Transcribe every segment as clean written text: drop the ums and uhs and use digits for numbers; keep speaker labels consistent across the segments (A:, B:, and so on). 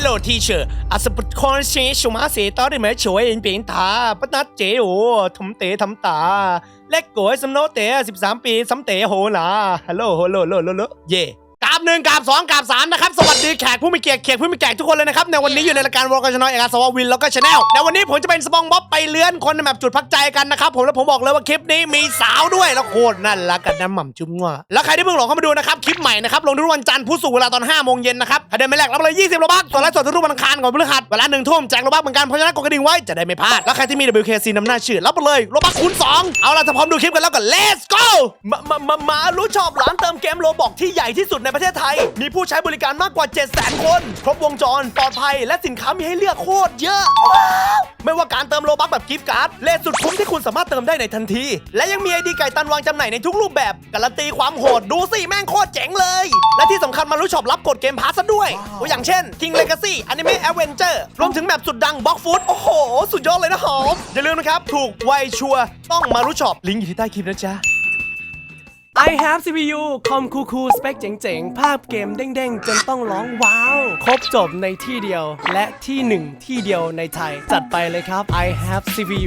A: Hello teacher อาสปุตคอนเชชูมาเสตอได้ไหมช่วยเอ็นเปียงตาปนัดเจโอทำเตะทำตาเล็กโกยสำโนเตะ13 ปีสำเตะโหนาฮัลโหลเย่กราบ1กราบ2กราบ3นะครับสวัสดีแขกผู้มีเกียรติผู้มีแขกทุกคนเลยนะครับในวันนี้อยู่ในรายการวอลกชนอยเอกสววินแล้วก็ชาแนลในวันนี้ผมจะเป็นสปองบ๊อบไปเลื้อนคนในแบบจุดพักใจกันนะครับผมแล้วผมบอกเลยว่าคลิปนี้มีสาวด้วยแล้วโคตรน่ารักกันน้ำหม่ำจุ้มงัวแล้วใครที่เพิ่งหลงเข้ามาดูนะครับคลิปใหม่นะครับลงทุกวันจันทร์พุธศุกร์เวลาตอน5 โมงเย็นนะครับถ้าเดินไม่แรกรับเลย20 โลบัคส่วนไลฟ์สดทุกวันอังคารก่อนพฤหัสเวลา1 ทุ่มแจกโลบัคเหมือนกันเพราะฉะนั้นกดกระดิ่งไว้จะได้ไม่พลาดแล้วใครที่มี WKC นำหน้าชื่อรับไปเลยโลบัคคูณ2เอาล่ะถ้าพร้อมดูคลิปกันแล้วก็ let's go มารู้ชอบร้านเติมเกมโลบอกที่ใหญ่ที่สุดในประเทศไทยมีผู้ใช้บริการมากกว่า 700,000 คนครบวงจรปลอดภัยและสินค้ามีให้เลือกโคตรเยอะไม่ว่าการเติมโลบัคแบบกิฟต์การ์ดเลทสุดคุ้มที่คุณสามารถเติมได้ในทันทีและยังมีไอดีไก่ตันวางจำหน่ายในทุกรูปแบบการันตีความโหดดูสิแม่งโคตรเจ๋งเลยและที่สำคัญมารู้ชอบรับกดเกมพาสซะด้วยตัวอย่างเช่น King Legacy Anime Adventure รวมถึงแบบสุดดัง Block Food โอ้โหสุดยอดเลยนะหอมอย่าลืมนะครับถูกไวชัวร์ต้องมารู้ชอบลิงก์อยู่ที่ใต้คลิปนะจ๊ะI have CPU คอมคูลสเปคเจ๋งๆภาพเกมเด้งๆจนต้องร้องว้าวครบจบในที่เดียวและที่หนึ่งที่เดียวในไทยจัดไปเลยครับ I have CPU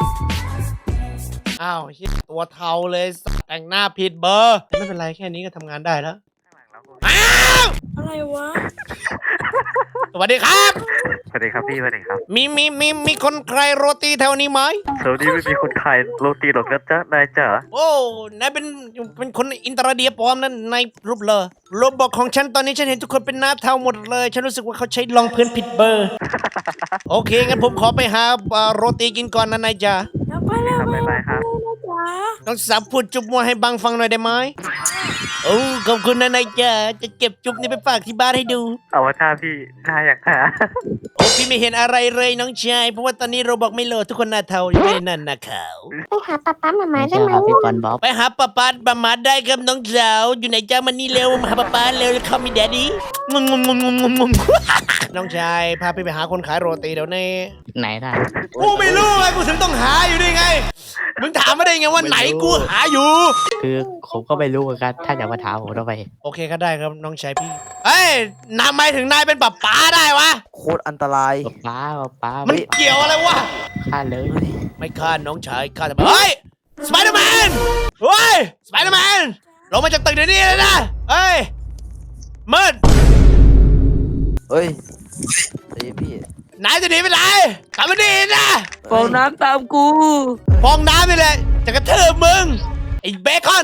A: อ้าวตัวเทาเลยแต่งหน้าผิดเบอร์ไม่เป็นไรแค่นี้ก็ทำงานได้แล้วอ้าว
B: อะไรวะ
A: สวัสดีครับ
C: สวัสดีครับพี่สวัสดีครับ
A: มีคนใครโรตีแถวนี้ไหม
C: สวัสดีไม่มีคนขายโรตีหรอกนะจ๊ะนายจ๋า
A: โอ้นายเป็นคนอินตราเดียปลอมนั่นในรูปเลยโรบอทของฉันตอนนี้ฉันเห็นทุกคนเป็นหน้าเทาหมดเลยฉันรู้สึกว่าเขาใช้รองพื้นผิดเบอร์ โอเคงั้นผมขอไปหาโรตีกินก่อนนะนายจ๋า
B: แล้วไปแล้ว
C: ครับบ๊ายบายครับ
B: นะจ๊ะ
A: น้องสาวพูดจุ๊บมัวให้บังฟังหน่อยได้ไหมโอ้ขอบคุณนะนายจ๋าจะเก็บจุ๊บนี้ไปฝากที่บ้านให้ดู
C: เอาว่าถ้าพี่ถ้าอยากหา
A: โอ้พี่ไม่เห็นอะไรเลยน้องชายเพราะว่าตอนนี้โรบอกไม่โหลดทุกคนหน้าเทาอยู่ในนั่นนะขาว
B: ไปหาป๊าป๊าหมาได้ไหม
D: พี่บอลบ๊อบ
A: ไปหาป้าป้าบามาได้ครับน้องสาวอยู่ไหนจ้ามันนี่เร็วมาหาป้าป้าเร็วเข้ามีแดดดี้งงน้องชายพาพี่ไปหาคนขายโรตีเดี๋ยวนี้
D: ไหนได้
A: กูไม่รู้ไงกูถึงต้องหาอยู่นี่ไงมึงถามมาได้ไงว่าไหนกูหาอยู่
D: คือผมก็ไม่รู้เหมือนกันถ้าอยากมาถามผมต้องไป
A: โอเคก็ได้ครับน้องชายพี่เอ้ยนำไมถึงนายเป็นป้าป้าได้วะ
E: โคตรอันตราย
D: ป้า
A: มันเกี่ยวอะไรวะ
D: ฆ่าเลย
A: ไม่ฆ่าน้องชายฆ่าแต่เฮ้ยสไปเดอร์แมนเฮ้ยสไปเดอร์แมนลงมาจากตึกเดี๋ยวนี้เลยนะเฮ้ยมืด
E: เฮ้ยไอ้พี่
A: นายจะหนีไปไหนกลับมาดีนะ
B: ฟองน้ำตามกู
A: ฟองน้ำนี่แหละจะกระทืบมึงไอ้เบคอน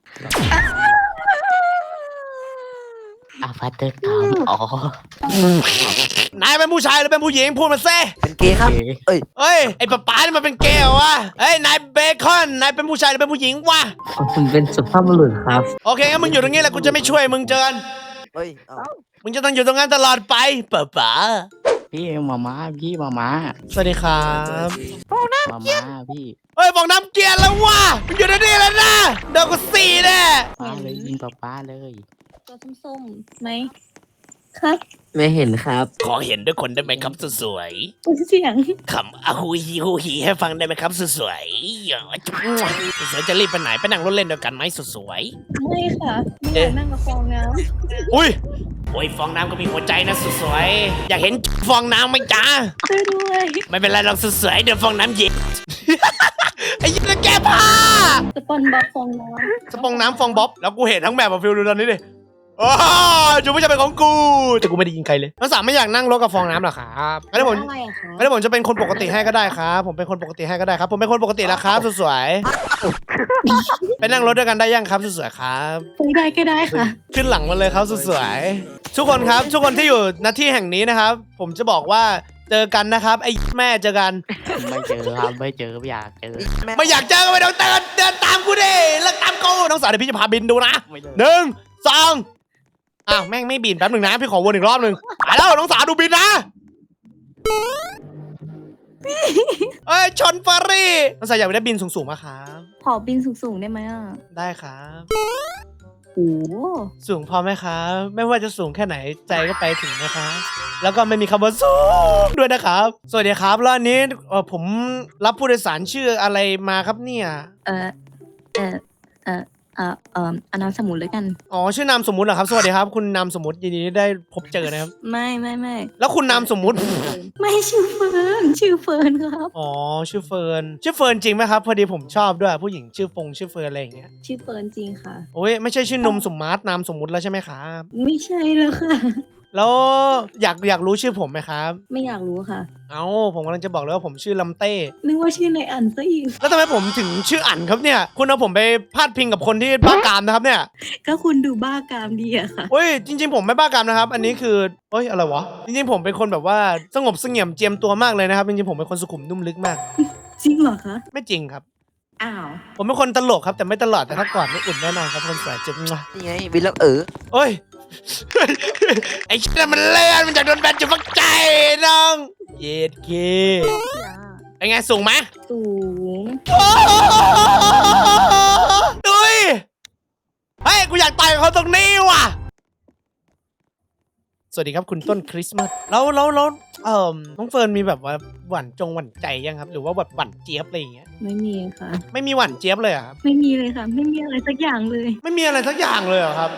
D: อาฟัตเตอร์กามอ๋อน
A: ายเป็นผู้ชายหรือเป็นผู้หญิงพูดมาเซ่
E: เป็นเกย์ครับ เอ้ย
A: เฮ้ยไอ้ป๊าป๊านี่มันเป็นเกย์เหรอวะเฮ้ยนายเบคอนนายเป็นผู้ชายหรือเป็นผู้หญิงวะ
D: ผมเป็นสุภาพบุรุษครับ
A: โอเคงั้นมึงอยู่ตรงนี้แหละกูจะไม่ช่วยมึงเจอกัน
E: เฮ้ย เอ้า
A: มึงจะต้องอยู่ตรงนั้นตลอดไปป๊าป๊า
D: พี่มาม่าพี่มาม่า
A: สวัสดีครับ
D: มาม่าพี่
A: เฮ้ยฟองน้ำเกลียนแล้ววะมึงอยู่ตรงนี้แล้วนะเดี๋ยวกูสี่แน่
D: ป้าเลยยิงป้าเลย
B: ตัวส้มๆไหมครับ
D: ไม่เห็นครับ
A: ขอเห็นด้วยคนได้ไหมครับสวย
B: เสียง
A: ๆคำอาฮูฮีให้ฟังได้ไหมครับสวยๆอย่าจุ๊บสวยๆจะรีบไปไหนไปนั่งรถเล่นด้วยกันไหมสวย
B: ไม่ค่ะไม่อยากนั่งกับฟองน้
A: ๆอุ้ยโอ้ยฟองน้ำก็มีหัวใจนะสวยๆอยากเห็นฟองน้ำไหมจ๊ะ
B: ำช่วยด้วย
A: ไม่เป็นไรหรอกสวยๆเดี๋ยวฟองน้ำเย็น ไอ้ยี่แกผ้า
B: สปอนบอฟองน้
A: สปองน้ำฟองบ๊อบแล้วกูเห็นทั้งแบบฟิลดูตอนนี้ดิโอ้จูไม่จะเป็นของกูแต่กูไม่ได้ยิงใครเลยน้องสามไม่อยากนั่งรถกับฟองน้ำหรอครับงั้นผม
B: ำอะไรอะคะ
A: งั้นผมจะเป็นคนปกติให้ก็ได้ครับผมเป็นคนปกติให้ก็ได้ครับผมเป็นคนปกติแล้วครับสวยๆไปนั่งรถด้วยกันได้ยังครับสวยๆครับ
B: คุยได้ก็ได้ค่ะ
A: ขึ้นหลังมาเลยครับสวยๆทุกคนครับทุกคนที่อยู่ณที่แห่งนี้นะครับ ผมจะบอกว่าเจอกันนะครับไอ้แม่เจอกัน
D: ไม่เจอครับไม่เจอไม่อยากเจอ
A: ไม่อยากเจอก็ไม่ต้องเดินตามกูดิเลิกตามกูน้องสาวเดี๋ยวพี่จะพาบินดูนะ
D: ไม่เจอ
A: 1 2อ้าวแม่งไม่บินแป๊บหนึ่งนะพี่ขอวนอีกรอบหนึ่งไปแล้วน้องสาวดูบินนะเอ้ยชนเฟอร์รี่น้องสาวอยากได้บินสูงๆมาครับ
B: ขอบินสูงๆได้ไหมอ่ะ
A: ได้ครับ
B: โอ้
A: สูงพอไหมครับไม่ว่าจะสูงแค่ไหนใจก็ไปถึงนะครับแล้วก็ไม่มีคำว่าสูงด้วยนะครับสวัสดีครับแล้วอันนี้ผมรับผู้โดยสารชื่ออะไรมาครับเนี่ย
B: เออเอานามสมุนเลยกัน
A: อ๋อชื่อนามสมมุติเหรอครับสวัสดีครับคุณนามสมมุติยินดีที่ได้พบเจอนะครับ
B: ไม่
A: แล้วคุณนามสมมุติ
B: ไม่ชื่อเฟิร์นชื่อเฟิร์นครับ
A: อ๋อชื่อเฟิร์นชื่อเฟิร์นจริงไหมครับพอดีผมชอบด้วยผู้หญิงชื่อชื่อเฟิร์นอะไรอย่างเงี้ย
B: ชื่อเฟิร์นจริงค่ะ
A: โอ้ยไม่ใช่ชื่อนมสมมาร์ทนามสมมุติแล้วใช่ไหมครับ
B: ไม่ใช่แล้วค่ะ
A: แล้วอยากรู้ชื่อผมไหมครับ
B: ไม่อยากรู้ค่ะ
A: เอ้าผมกำลังจะบอกเลยว่าผมชื่อลำเต้
B: นึกว่าชื่อในอันซะอีก
A: แล้วทำไมผมถึงชื่ออั๋นครับเนี่ยคุณเอาผมไปพาดพิงกับคนที่บ้ากามนะครับเนี่ย
B: ก็คุณดูบ้ากามดีอะค่ะ
A: เฮ้ยจริงๆผมไม่บ้ากามนะครับ อันนี้คือเฮ้ยอะไรวะจริงๆผมเป็นคนแบบว่าสงบเสงี่ยมเจียมตัวมากเลยนะครับจริงๆผมเป็นคนสุขุมนุ่มลึกมาก
B: จริงเหรอคะ
A: ไม่จริงครับ
B: อ้าว
A: ผมเป็นคนตลกครับแต่ไม่ตลอดแต่ถ้ากอดนี่อุ่นแน่นอนครับคนสวยจุ๊บมั่ว
E: นี่ไงวิลล์
A: เอ้ย ไอ้ชิ้นนมันเลื่อนมันจากโดนแบนจุดฟักใจน้องเย็ดเคไอ้ไงสูงไหม
B: สูง
A: ดุยเฮ้ยกูอยากต่อยกับเขาตรงนี้ว่ะสวัสดีครับคุณต้นคริสต์มาสแล้วน้องเฟิร์นมีแบบว่าหวั่นใจยังครับ หรือว่าแบบหวั่นเจี๊ยบอะไรอย่างเงี้ย
B: ไม่มีค่ะ
A: ไม่มีหวั่นเจี๊ยบเลยเหรอครับ
B: ไม่มีเลยค่ะ ไม่มีอะไรสักอย่างเลย
A: ไม่มีอะไรสักอย่างเลยเหรอครับ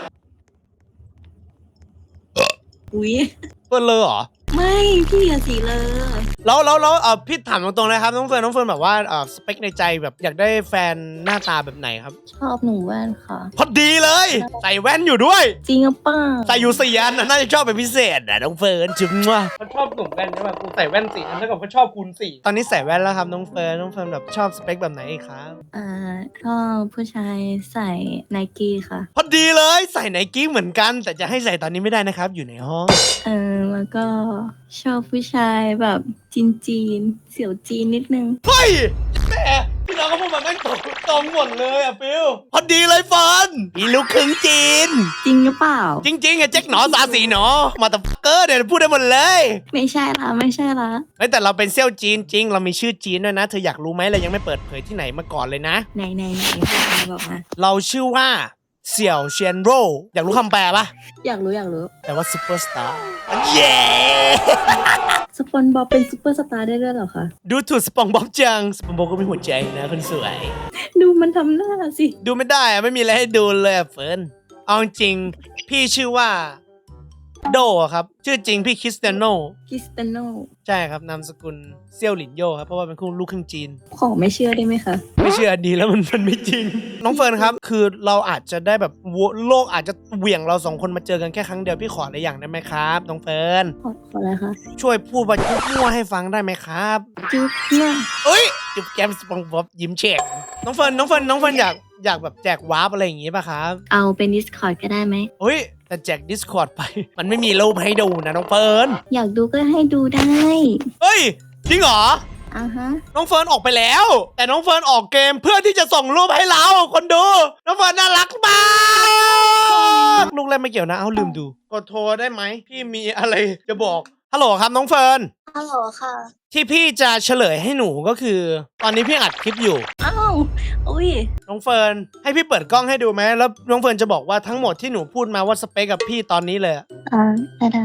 B: อุ๊ย
A: เฟิร์นเลยเหรอ
B: ไม่พี่อย่าสีเลย
A: แล้วพี่ถามตรงๆนะครับน้องเฟิร์นแบบว่าสเปคในใจแบบอยากได้แฟนหน้าตาแบบไหนครับ
B: ชอบหนูแว่นค่ะ
A: พอดีเลย ใส่แว่นอยู่ด้วย
B: จริงหรือเปล่า
A: ใส่อยู่สี่อันน่าจะชอบเป็นพิเศษนะน้องเฟิร์นจุ๊บว่ะเขาชอบหนุ่มแว่นใช่ไหมกูใส่แว่นสี่อันเท่ากับเขาชอบคูณสี่ตอนนี้ใส่แว่นแล้วครับน้องเฟิร์นแบบชอบสเปคแบบไหนอีกครับ
B: ชอบผู้ชายใส่ไนกี้ค่ะ
A: พอดีเลยใส่ไนกี้เหมือนกัน แต่จะให้ใส่ตอนนี้ไม่ได้นะครับ อยู่ในห้อง
B: แล้วก็ชอบผู้ชายแบบจีนเสี่ยวจีนนิดนึง
A: เฮ้ยแม่พี่น้องก็พูดมาแม่งตรงหมดเลยอ่ะฟิลพอดีเลยเฟิร์นพี่ลูกครึ่งจีน
B: จริงหรือเปล่า
A: จริงๆอะแจ็คหนอสาสีหนอมาตะเกอร์เนี่ยพูดได้หมดเลย
B: ไม่ใช่ละไม่ใช่ละ
A: เฮ้ยแต่เราเป็นเซี่ยวจีนจริง เรามีชื่อจีนด้วยนะเธออยากรู้ไหมเรายังไม่เปิดเผยที่ไหนมาก่อนเลยนะ
B: ไหนบอกมา
A: เราชื่อว่าเสี่ยวเชียนโรอยากรู้คำแปลปะ
B: อยากรู้
A: แปลว่าซูเปอร์สตาร์เย้
B: สปอนบอบเป็นซูเปอร์สตาร์ได้ด้วยเหรอคะ
A: ดูถูกสปองบ๊อบจังสปองบ๊อบก็มีหัวใจนะคนสวย
B: ดูมันทำหน้าสิ
A: ดูไม่ได้อะไม่มีอะไรให้ดูเลยอะเฟิร์นเอาจริงพี่ชื่อว่าโดอะครับชื่อจริงพี่คริสเตียโน
B: คริสเตยโน
A: ใช่ครับนามสกุลเซี่ยวหลินโยครับเพราะว่าเป็นลูกครึ่งจีน
B: ขอไม่เชื่อได้ไหมคะ
A: ไม่เชื่อดีแล้วมันไม่จริง น้องเฟิร์นครับ คือเราอาจจะได้แบบโลกอาจจะเหวี่ยงเราสองคนมาเจอกันแค่ครั้งเดียวพี่ขออะไรอย่างได้ไหมครับน้องเฟิร์น
B: ขออะไรคะ
A: ช่วยพูดว่าจุ๊บมั่วให้ฟังได้ไหมครับ
B: จุ๊บเนี่ย
A: เอ้ยจุ๊บแก้มสปองบ๊อบยิ้มเฉกน้องเฟิร์นอยากแบบแจกวาร์ปอะไรอย่างงี้ป่ะครับ
B: เอาเป็น Discord ก็ได้ไหม
A: เฮ้ยแต่แจก Discord ไป มันไม่มีรูปให้ดูนะน้องเฟิร์น
B: อยากดูก็ให้ดูได้
A: เฮ้ยจริงเหรอ
B: ฮะ
A: น้องเฟิร์นออกไปแล้ว แต่น้องเฟิร์นออกเกมเพื่อที่จะส่งรูปให้เราคนดู น้องเฟิร์นน่ารักมากลูกเล่นไม่เกี่ยวนะเอาลืมดูกดโทรได้ไหมพี่มีอะไรจะบอกฮัลโหลครับน้องเฟิร์น
B: ฮัลโหลค่ะ
A: ที่พี่จะเฉลยให้หนูก็คือ ตอนนี้พี่อัดคลิปอยู่
B: อ้าวอุ้ย
A: น้องเฟิร์นให้พี่เปิดกล้องให้ดูไหมแล้วน้องเฟิร์นจะบอกว่าทั้งหมดที่หนูพูดมาว่าสเปคกับพี่ตอนนี้เลยอะ
B: ได้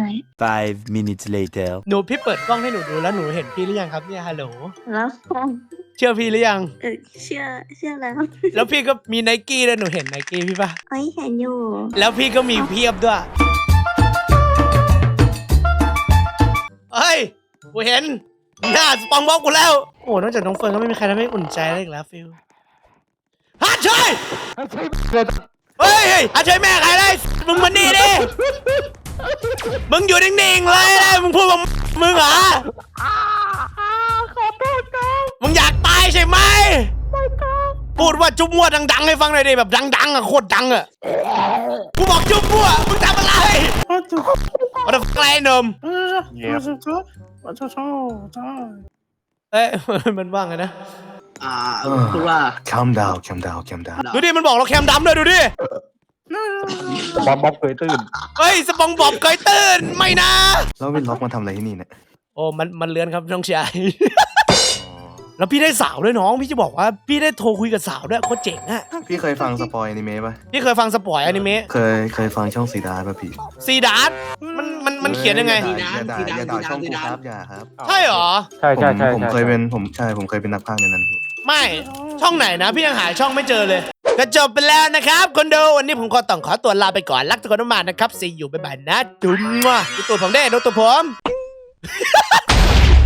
F: 5 minutes later.
A: หนูพี่เปิดกล้องให้หนูดูแล้วหนูเห็นพี่หรือยังครับเนี่ยฮัลโหล
B: แล้ว
A: เชื่อพี่หรือยัง
B: เชื่อแล้ว
A: แล้วพี่ก็มีไนกี้ด้วยหนูเห็นไนกี้พี่ปะ
B: เอ้ยเห็นอยู่
A: แล้วพี่ก็มีเพียบด้วยเฮ้ยกูเห็นหน้าสปองบ็อกกูแล้วโอ้นอกจากน้องเฟิร์นก็ไม่มีใครทำให้อุ่นใจได้อีกแล้วฟิลฮัทช่วยเฮ้ยฮัทช่วยแม่ใครได้มึงมานี่ดิมึงอยู่นิ่งๆเลยนะมึงพูดว่ามึงเหรอขอโทษครับมึงอยากตายใช่ไหมไม่ครับพูดว่าจุ๊บมั่วดังๆให้ฟังหน่อยดิแบบดังๆอ่ะโคตรดังอ่ะกูบอกจุ๊บมั่วมึงทำอะไรมาทำอะไรนมเอ้ยมันว่างไงนะ
G: คือว่า
F: Calm down.
A: ดูดิมันบอกเราแคมดำเลยดูดิ
C: บอมบ๊อบเคยตื่น
A: เฮ้ยสปองบอบเคยตื่นไม่นะ
F: แล้ววินล็อกมาทำอะไรที่นี่เนี่ย
A: โอ้มันเลือนครับน้องชาย แล้วพี่ได้สาวด้วยน้องพี่จะบอกว่าพี่ได้โทรคุยกับสาวด้วยโคตรเจ๋งอะ
F: พี่เคยฟังสปอยอนิเมะปะ
A: พี่เคยฟังสปอยอนิเมะ
F: เคยฟังช่องซีดาร์ป่ะพี่
A: ซีดาร์มันเขียนยังไง
F: อย่าด่าช่องกูครับอย่าครับ
A: ใช่เหรอ
C: ใช่
F: ผมเคยเป็นนักพากย์ในนั้นพี่
A: ไม่ช่องไหนนะพี่ยังหาช่องไม่เจอเลย ก็จบไปแล้วนะครับคนดูวันนี้ผมขอต้องขอตัวลาไปก่อนรักทุกคนมากๆนะครับซีอยู่บ๊ายบายนะจุ๊มดูตัวผมได้ดูตัวผม